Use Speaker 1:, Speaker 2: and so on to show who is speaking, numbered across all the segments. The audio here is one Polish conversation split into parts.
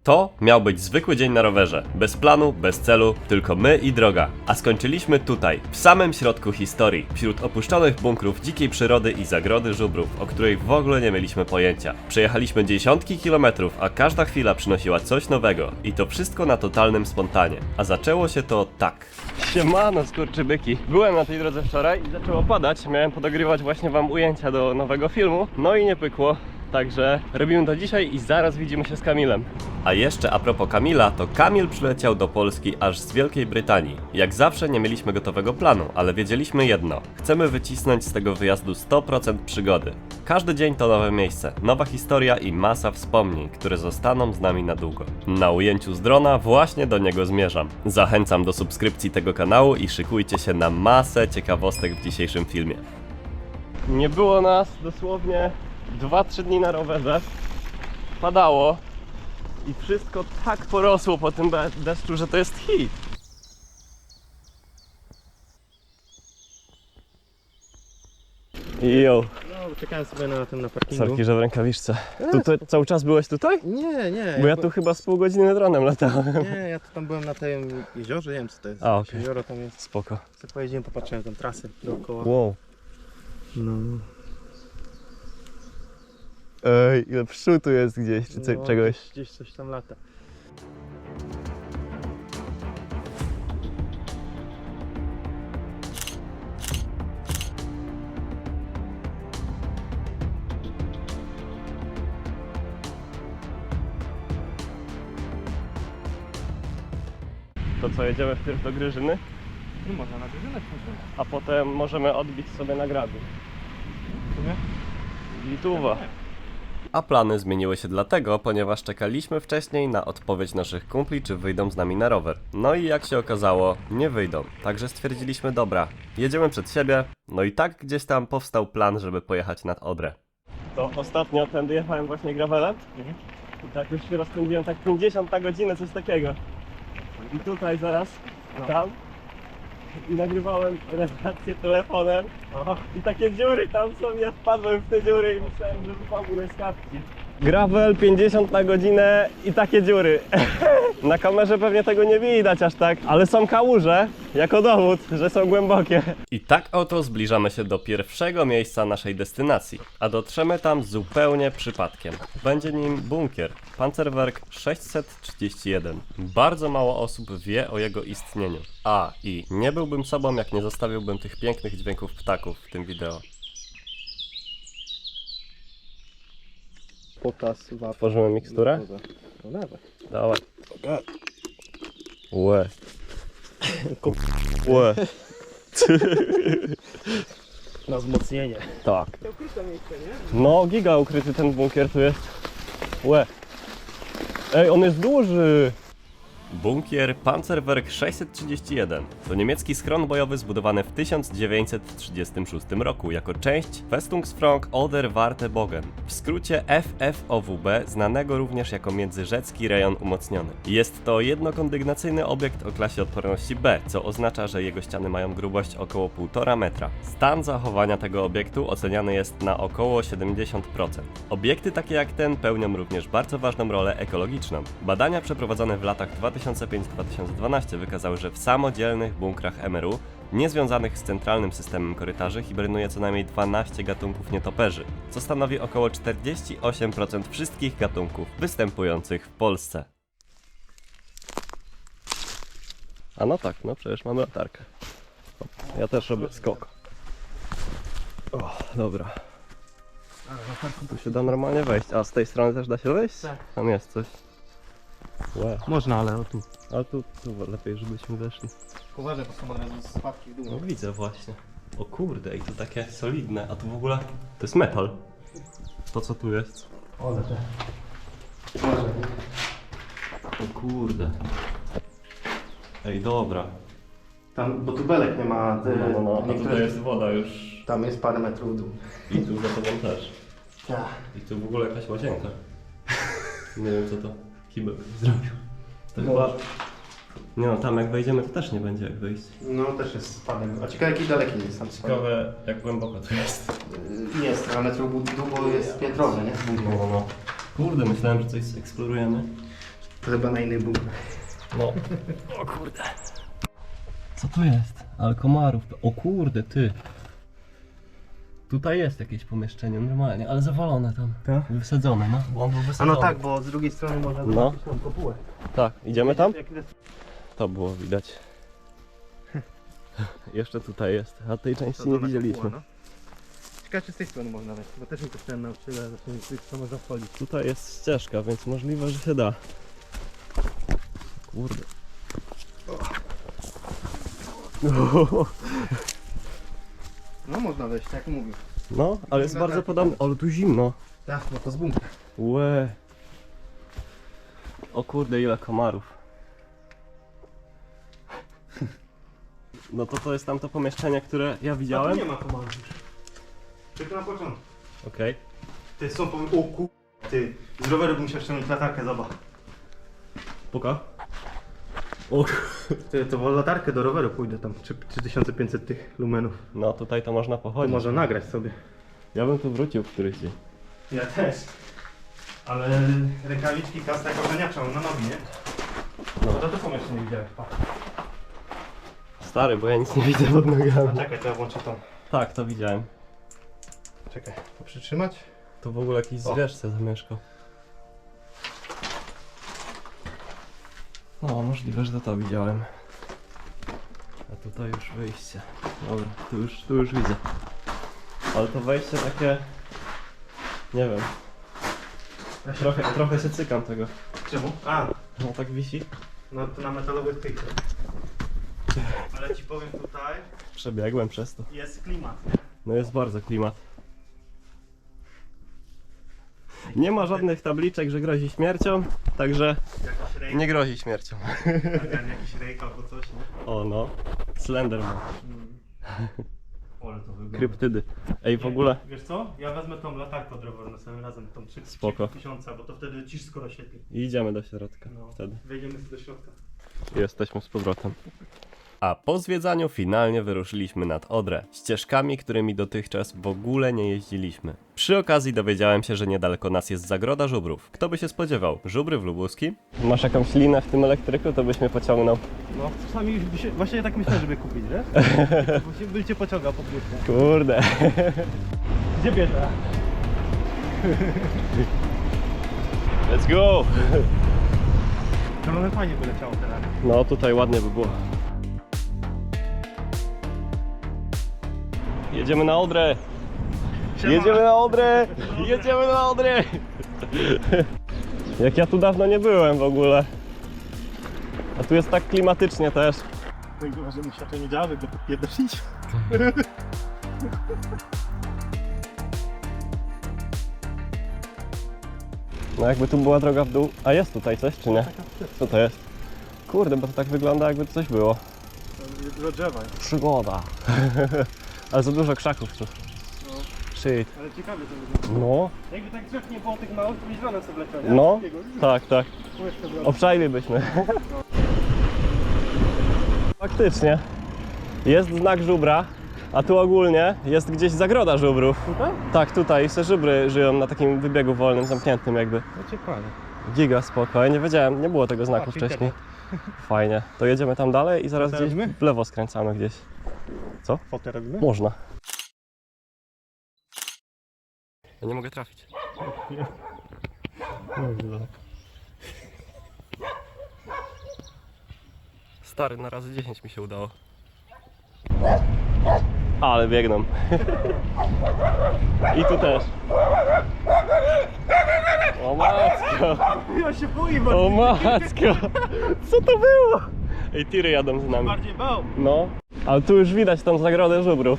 Speaker 1: To miał być zwykły dzień na rowerze, bez planu, bez celu, tylko my i droga. A skończyliśmy tutaj, w samym środku historii, wśród opuszczonych bunkrów dzikiej przyrody i zagrody żubrów, o której w ogóle nie mieliśmy pojęcia. Przejechaliśmy dziesiątki kilometrów, a każda chwila przynosiła coś nowego i to wszystko na totalnym spontanie. A zaczęło się to tak. Siemano skurczybyki. Byłem na tej drodze wczoraj i zaczęło padać, miałem podogrywać właśnie wam ujęcia do nowego filmu, no i nie pykło. Także robimy to dzisiaj i zaraz widzimy się z Kamilem. A jeszcze a propos Kamila, to Kamil przyleciał do Polski aż z Wielkiej Brytanii. Jak zawsze nie mieliśmy gotowego planu, ale wiedzieliśmy jedno. Chcemy wycisnąć z tego wyjazdu 100% przygody. Każdy dzień to nowe miejsce, nowa historia i masa wspomnień, które zostaną z nami na długo. Na ujęciu z drona właśnie do niego zmierzam. Zachęcam do subskrypcji tego kanału i szykujcie się na masę ciekawostek w dzisiejszym filmie. Nie było nas dosłownie 2-3 dni na rowerze, padało i wszystko tak porosło po tym deszczu, że to jest hit. Jo.
Speaker 2: No, czekałem sobie na tym na parkingu.
Speaker 1: Sorki, że w rękawiczce. Tutaj, cały czas byłeś tutaj?
Speaker 2: Nie.
Speaker 1: Bo ja tu chyba z pół godziny dronem latałem.
Speaker 2: Nie, ja tu tam byłem na tym jeziorze, nie wiem co to jest.
Speaker 1: A, okej.
Speaker 2: Jezioro tam jest.
Speaker 1: Spoko.
Speaker 2: Co pojedziemy, popatrzyłem tam trasy dookoła.
Speaker 1: Wow.
Speaker 2: No.
Speaker 1: Ej, ile pszczół tu jest gdzieś, czy
Speaker 2: No,
Speaker 1: czegoś.
Speaker 2: Gdzieś coś tam lata.
Speaker 1: To co, jedziemy wpierw do Gryżyny,
Speaker 2: No można na godzinę
Speaker 1: a potem możemy odbić sobie na Gradu. Lituwa. A plany zmieniły się dlatego, ponieważ czekaliśmy wcześniej na odpowiedź naszych kumpli, czy wyjdą z nami na rower. No i jak się okazało, nie wyjdą. Także stwierdziliśmy, dobra, jedziemy przed siebie. No i tak gdzieś tam powstał plan, żeby pojechać nad Odrę. To ostatnio tędy jechałem właśnie gravelem. I tak już się rozpędziłem tak 50 na godzinę, coś takiego. I tutaj zaraz, tam. I nagrywałem relację telefonem. I takie dziury tam są, ja wpadłem w te dziury i myślałem, że wypadłem z kapci. Gravel 50 na godzinę i takie dziury. Na kamerze pewnie tego nie widać aż tak, ale są kałuże jako dowód, że są głębokie. I tak oto zbliżamy się do pierwszego miejsca naszej destynacji, a dotrzemy tam zupełnie przypadkiem. Będzie nim bunkier, Panzerwerk 631. Bardzo mało osób wie o jego istnieniu. A i nie byłbym sobą, jak nie zostawiłbym tych pięknych dźwięków ptaków w tym wideo.
Speaker 2: Potas, wapń.
Speaker 1: Tworzymy miksturę?
Speaker 2: No dawaj.
Speaker 1: Dawaj. Łe. Łe.
Speaker 2: Na wzmocnienie.
Speaker 1: Tak. No, giga ukryty ten bunkier tu jest. Łe. Ej, on jest duży. Bunkier Panzerwerk 631 to niemiecki schron bojowy zbudowany w 1936 roku jako część Festungsfront Oder Wartebogen, w skrócie FFOWB, znanego również jako międzyrzecki rejon umocniony. Jest to jednokondygnacyjny obiekt o klasie odporności B, co oznacza, że jego ściany mają grubość około 1,5 metra. Stan zachowania tego obiektu oceniany jest na około 70%. Obiekty takie jak ten pełnią również bardzo ważną rolę ekologiczną. Badania przeprowadzone w latach 2005-2012 wykazały, że w samodzielnych bunkrach MRU, niezwiązanych z centralnym systemem korytarzy, hibernuje co najmniej 12 gatunków nietoperzy, co stanowi około 48% wszystkich gatunków występujących w Polsce. A no tak, no przecież mamy latarkę. Ja też robię skok. O, dobra. Tu się da normalnie wejść. A z tej strony też da się wejść?
Speaker 2: Tak.
Speaker 1: Tam jest coś. Wow.
Speaker 2: Można, ale o tu.
Speaker 1: Ale tu lepiej, żebyśmy weszli.
Speaker 2: Uważaj, bo są od razu spadki w dół.
Speaker 1: No widzę właśnie. O kurde, i to takie solidne, a tu w ogóle to jest metal. To co tu jest?
Speaker 2: Ole te.
Speaker 1: O kurde. Ej, dobra.
Speaker 2: Tam, bo tu belek nie ma.
Speaker 1: A tutaj jest woda już.
Speaker 2: Tam jest parę metrów w dół.
Speaker 1: I tu za tobą też.
Speaker 2: Tak.
Speaker 1: I tu w ogóle jakaś łazienka. Nie wiem co to Kibek zrobił. To
Speaker 2: No.
Speaker 1: chyba... Nie no, tam jak wejdziemy to też nie będzie jak wyjść.
Speaker 2: No też jest spadek. A ciekawe jaki daleki jest tam spadek.
Speaker 1: Ciekawe jak głęboko tu jest.
Speaker 2: Jest, trochę metrów w dół, bo jest piętrowy, nie?
Speaker 1: No. Kurde, myślałem, że coś eksplorujemy.
Speaker 2: To chyba na innych bunkrach.
Speaker 1: No. O kurde. Co to jest? Ale komarów. O kurde, ty. Tutaj jest jakieś pomieszczenie normalnie, ale zawalone tam.
Speaker 2: Tak?
Speaker 1: Wysadzone, no. Bo on był
Speaker 2: A
Speaker 1: wysadzony.
Speaker 2: no tak, bo z drugiej strony można
Speaker 1: No.
Speaker 2: zobaczyć tą kopułę.
Speaker 1: Tak, idziemy tam?
Speaker 2: Jak jest-
Speaker 1: To było widać. Jeszcze tutaj jest, a tej
Speaker 2: to
Speaker 1: części nie
Speaker 2: dolna
Speaker 1: widzieliśmy.
Speaker 2: kopuła, no. Ciekawe, czy z tej strony można wejść, bo też mi to wtedy nauczyłem, że co można wchodzić.
Speaker 1: Tutaj jest ścieżka, więc możliwe, że się da. Kurde.
Speaker 2: No można wejść, tak jak mówił.
Speaker 1: No, ale jest bardzo podobne. Ale tu zimno.
Speaker 2: Tak, no to z bunkra.
Speaker 1: Łe. O kurde, ile komarów. No to jest tamto pomieszczenie, które ja widziałem.
Speaker 2: nie ma komandy już. Tylko na początku.
Speaker 1: Okej.
Speaker 2: Ty są o ku... Ty, z roweru bym musiał ściągnąć latarkę, zobacz.
Speaker 1: Puka. O.
Speaker 2: Ty, to w latarkę do roweru pójdę tam, 3500 tych lumenów.
Speaker 1: No tutaj to można
Speaker 2: To
Speaker 1: pochodzić.
Speaker 2: można nagrać sobie.
Speaker 1: Ja bym tu wrócił w któryś dzień.
Speaker 2: Ja też. Ale rękawiczki, kasta jak oceniacza, na nogi, nie?
Speaker 1: No.
Speaker 2: No to tu jeszcze nie widziałeś, pa.
Speaker 1: Stary, bo ja nic nie widzę pod nogami.
Speaker 2: A czekaj, to ja włączę tą.
Speaker 1: Tak, to widziałem.
Speaker 2: Czekaj, to przytrzymać?
Speaker 1: Tu w ogóle jakiś zwierz se zamieszkał. No, możliwe, że to widziałem. A tutaj już wyjście. Dobra, tu już widzę. Ale to wejście takie... Nie wiem. Trochę się cykam tego.
Speaker 2: Czemu? A,
Speaker 1: No tak wisi.
Speaker 2: no to na metalowych tych. Ale ci powiem tutaj,
Speaker 1: Przebiegłem przez to.
Speaker 2: jest klimat.
Speaker 1: No jest bardzo klimat. Nie ma żadnych tabliczek, że grozi śmiercią, także
Speaker 2: Jakiś rejk,
Speaker 1: nie grozi śmiercią.
Speaker 2: jakiś rejk albo coś, nie?
Speaker 1: O no, Slenderman,
Speaker 2: Ale to wygląda.
Speaker 1: kryptydy. Ej, w ogóle
Speaker 2: Wiesz co? Ja wezmę tą latarkę od roweru na samym razem, tą
Speaker 1: Spoko.
Speaker 2: 3000, bo to wtedy ci skoro świetli.
Speaker 1: idziemy do środka
Speaker 2: No,
Speaker 1: wtedy.
Speaker 2: wejdziemy sobie do środka.
Speaker 1: Jesteśmy z powrotem. A po zwiedzaniu finalnie wyruszyliśmy nad Odrę, ścieżkami, którymi dotychczas w ogóle nie jeździliśmy. Przy okazji dowiedziałem się, że niedaleko nas jest Zagroda Żubrów. Kto by się spodziewał? Żubry w Lubuskim? Masz jakąś linę w tym elektryku, to byś mnie pociągnął.
Speaker 2: No, czasami właśnie tak myślałem, żeby kupić, wiesz? Właśnie bym cię pociągał po prostu.
Speaker 1: Kurde.
Speaker 2: Gdzie bierze?
Speaker 1: Let's go!
Speaker 2: No fajnie by leciało teraz.
Speaker 1: No tutaj ładnie by było. Jedziemy na Odrę! Jedziemy na Odrę! Jedziemy na Odrę! Jak ja tu dawno nie byłem w ogóle. A tu jest tak klimatycznie też.
Speaker 2: Tylko, że mu światło nie działa, go podpierdolić.
Speaker 1: No jakby tu była droga w dół. A jest tutaj coś czy nie? Co to jest? Kurde, bo to tak wygląda jakby tu coś było.
Speaker 2: Dużo drzewa.
Speaker 1: Przygoda. Ale za dużo krzaków tu.
Speaker 2: No.
Speaker 1: Shit.
Speaker 2: Ale ciekawie to wygląda.
Speaker 1: No,
Speaker 2: Jakby tak drzew nie było tych małych, to byś żonę sobie leciał, nie?
Speaker 1: no,
Speaker 2: Takiego.
Speaker 1: tak, tak.
Speaker 2: Kółeczko było.
Speaker 1: Obszajlibyśmy. Faktycznie. Jest znak żubra, a tu ogólnie jest gdzieś zagroda żubrów.
Speaker 2: Tutaj?
Speaker 1: Tak, tutaj se żubry żyją na takim wybiegu wolnym, zamkniętym jakby.
Speaker 2: No ciekawe.
Speaker 1: Giga spoko, ja nie wiedziałem, nie było tego znaku
Speaker 2: A,
Speaker 1: wcześniej. Fajnie. To jedziemy tam dalej i zaraz
Speaker 2: Fotę
Speaker 1: gdzieś
Speaker 2: robimy?
Speaker 1: w lewo skręcamy gdzieś.
Speaker 2: Fotę robimy?
Speaker 1: Można. Ja nie mogę trafić. Stary, na razy 10 mi się udało. Ale biegną. I tu też. O matko!
Speaker 2: Ja się boję
Speaker 1: O matko! Co to było? Ej, tiry jadą z nami.
Speaker 2: bardziej bał.
Speaker 1: No, ale tu już widać tą zagrodę żubrów.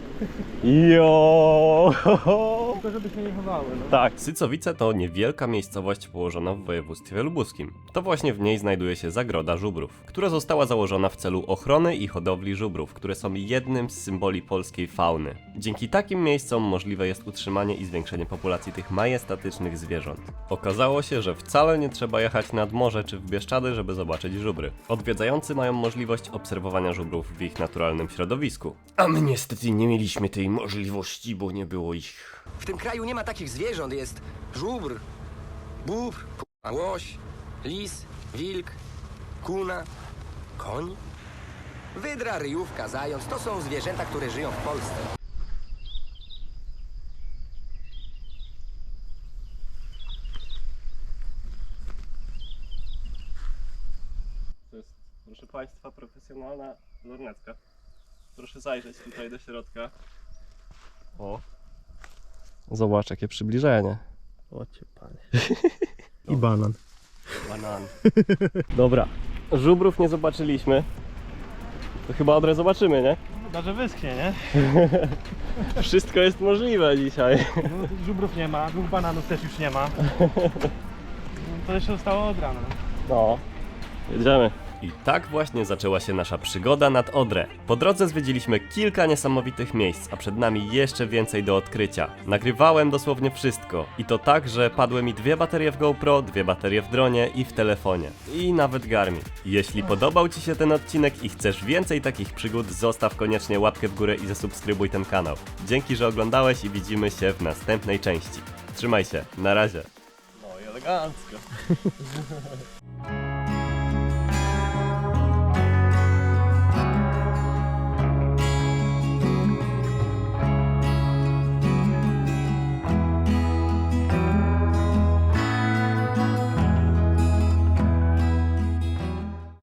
Speaker 1: Jo!
Speaker 2: Tylko żeby się nie chowały, no.
Speaker 1: Tak, Sycowice to niewielka miejscowość położona w województwie lubuskim. To właśnie w niej znajduje się Zagroda Żubrów, która została założona w celu ochrony i hodowli żubrów, które są jednym z symboli polskiej fauny. Dzięki takim miejscom możliwe jest utrzymanie i zwiększenie populacji tych majestatycznych zwierząt. Okazało się, że wcale nie trzeba jechać nad morze czy w Bieszczady, żeby zobaczyć żubry. Odwiedzający mają możliwość obserwowania żubrów w ich naturalnym środowisku. A my niestety nie mieliśmy tej możliwości, bo nie było ich.
Speaker 3: W tym kraju nie ma takich zwierząt. Jest żubr, bóbr, łoś, Lis, wilk, kuna, koń. Wydra, ryjówka, zając to są zwierzęta, które żyją w Polsce.
Speaker 1: To jest, proszę Państwa, profesjonalna lornetka. Proszę zajrzeć tutaj do środka. O. Zobacz, jakie przybliżenie.
Speaker 2: O cię panie. I banan.
Speaker 1: Banan. Dobra, żubrów nie zobaczyliśmy. To chyba Odrę zobaczymy, nie?
Speaker 2: Chyba, że wyschnie, nie?
Speaker 1: Wszystko jest możliwe dzisiaj.
Speaker 2: No, żubrów nie ma, 2 bananów też już nie ma. To jeszcze zostało od rana.
Speaker 1: No, jedziemy. I tak właśnie zaczęła się nasza przygoda nad Odrę. Po drodze zwiedziliśmy kilka niesamowitych miejsc, a przed nami jeszcze więcej do odkrycia. Nagrywałem dosłownie wszystko. I to tak, że padły mi 2 baterie w GoPro, 2 baterie w dronie i w telefonie. I nawet Garmin. Jeśli podobał Ci się ten odcinek i chcesz więcej takich przygód, zostaw koniecznie łapkę w górę i zasubskrybuj ten kanał. Dzięki, że oglądałeś i widzimy się w następnej części. Trzymaj się, na razie. No i elegancko.